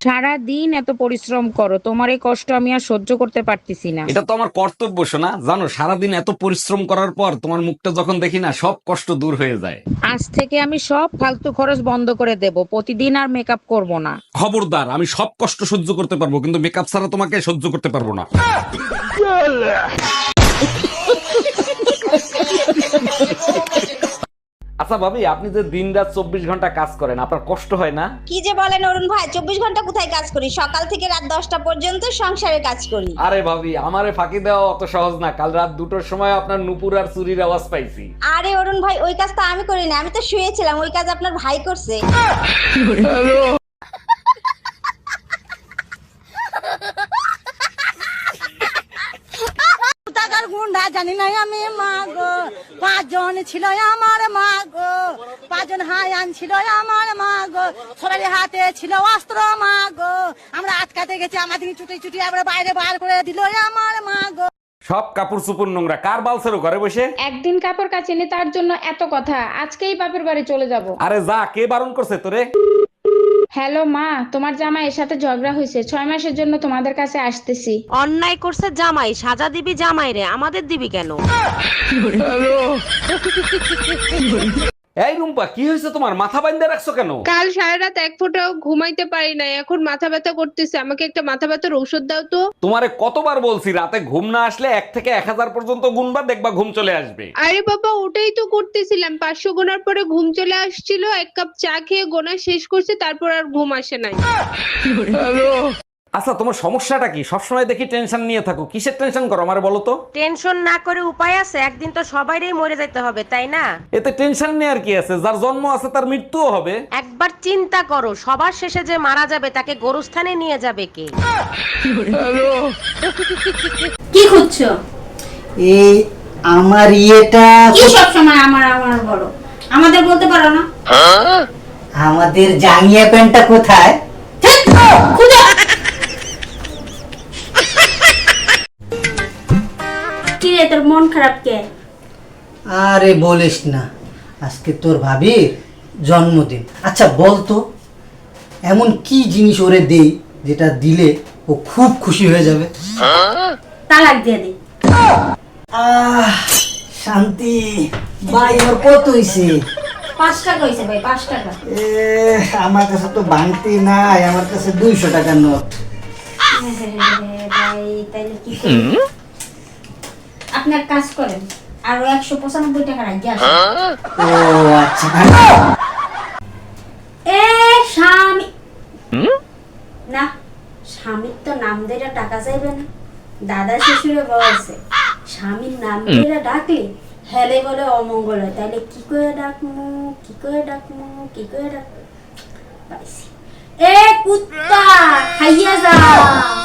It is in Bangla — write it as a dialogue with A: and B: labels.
A: সারা দিন এত পরিশ্রম করো, তোমার এই কষ্ট আমি আর সহ্য করতে পারতেছি না।
B: এটা তো আমার কর্তব্য শোনা। জানো, সারাদিন এত পরিশ্রম করার পর তোমার মুখটা যখন দেখি না, সব কষ্ট দূর হয়ে যায়।
A: আজ থেকে আমি সব ফালতু খরচ বন্ধ করে দেব, প্রতিদিন আর মেকআপ করব না।
B: খবরদার, আমি সব কষ্ট সহ্য করতে পারবো, কিন্তু মেকআপ ছাড়া তোমাকে সহ্য করতে পারবো না। আচ্ছা ভাবি, আপনি যে দিন রাত 24 ঘন্টা কাজ করেন, আপনার কষ্ট হয় না?
C: কি যে বলেন অরুণ ভাই, 24 ঘন্টা কোথায় কাজ করি? সকাল থেকে রাত 10টা পর্যন্ত সংসারে কাজ করি।
B: আরে ভাবি, আমারে ফাঁকি দেওয়া অত সহজ না। কাল রাত 2টোর সময় আপনার নুপুর আর চুরির আওয়াজ পাইছি।
C: আরে অরুণ ভাই, ওই কাজ তো আমি করি না, আমি তো শুয়েছিলাম। ওই কাজ আপনার ভাই করছে।
D: টাকার গুন্ডা জানি না আমি মাগো, 5 জন ছিল আমার মাগো, 5 জন হায়ান ছিল আমার মাগো, সবারই হাতে ছিল অস্ত্র মাগো, আমরা আটকাতে গেছি, আমাদের চুটি চুটি আমরা বাইরে বার করে দিল আমার মাগো।
B: সব কাপড় চুপুর নোংরা, কার বালছেরো ঘরে বসে?
E: একদিন কাপড় কাচিনি তার জন্য এত কথা, আজকেই বাপের বাড়ি চলে যাব।
B: আরে যা, কে বারণ করছে তোরে?
E: হ্যালো মা, তোমার জামাইয়ের সাথে ঝগড়া হয়েছে, 6 মাসের জন্য তোমাদের কাছে আসতেছি।
F: অন্যায় করছে জামাই, সাজা দিবি জামাই রে, আমাদের দিবি কেন?
B: এই রুম্পা, কি হয়েছে তোমার? মাথা বাইন্ধে রাখছো কেন?
G: কাল সারা রাত এক ফোঁটাও ঘুমাইতে পারি না, এখন মাথা ব্যথা করতেছে। আমাকে একটা মাথা ব্যথার ঔষধ দাও তো।
B: তোমারে কতবার বলছি, রাতে ঘুম না আসলে 1 থেকে 1000 পর্যন্ত গুনবা, দেখবা ঘুম চলে আসবে।
G: আরে বাবা, ওটাই তো করতেছিলাম। 500 গোনার পরে ঘুম চলে আসছিল, 1 কাপ চা খেয়ে গোনা শেষ করছে, তারপর আর ঘুম আসে নাই।
B: আচ্ছা, তোমার সমস্যাটা কি? সবসময় দেখি টেনশন নিয়ে থাকো, কিসের টেনশন করো আমারে বলো তো?
F: টেনশন না করে উপায় আছে? একদিন তো সবাইরই মরে যেতে হবে, তাই না?
B: এতে টেনশন নেওয়ার কি আছে? যার জন্ম আছে তার মৃত্যুও হবে।
F: একবার চিন্তা করো, সবার শেষে যে মারা যাবে তাকে গোরস্থানে নিয়ে যাবে কে?
H: কি খুঁজছো?
I: এই আমার ইয়েটা
H: কি সব সময় আমার আমার বলো, আমাদের বলতে পারো না?
I: আমাদের জাঙ্গিয়া প্যান্টটা কোথায়?
H: খুঁজো। কি রে, তোর মন খারাপ কে?
I: আরে বলিস না, আজকে তোর ভাবির জন্মদিন। আচ্ছা বলতো, এমন কি জিনিস ওরে দেই যেটা দিলে ও খুব খুশি হয়ে যাবে?
H: তালাক দিয়ে দে।
I: শান্তি। ভাই ওর কত হইছে?
H: 5 টাকা হইছে ভাই, 5 টাকা।
I: আমার কাছে তো বাংতি নাই, আমার কাছে 200 টাকার নোট।
H: ভাই তাইলে কি করব? আপনার কাজ করেন, আর 195 টাকা রাখি আসেন।
I: ও আচ্ছা।
H: এ স্বামী না, স্বামীর তো নাম ধরে টাকা চাইবে না। দাদা শ্বশুরে বলছে স্বামীর নাম ধরে ডাকলে হেলে বলে অমঙ্গল হয়, তাইলে কি করে ডাকমু, কি করে ডাকমু, কি করে ডাকমু? পাইছি। এ কুত্তা খাইয়া যা।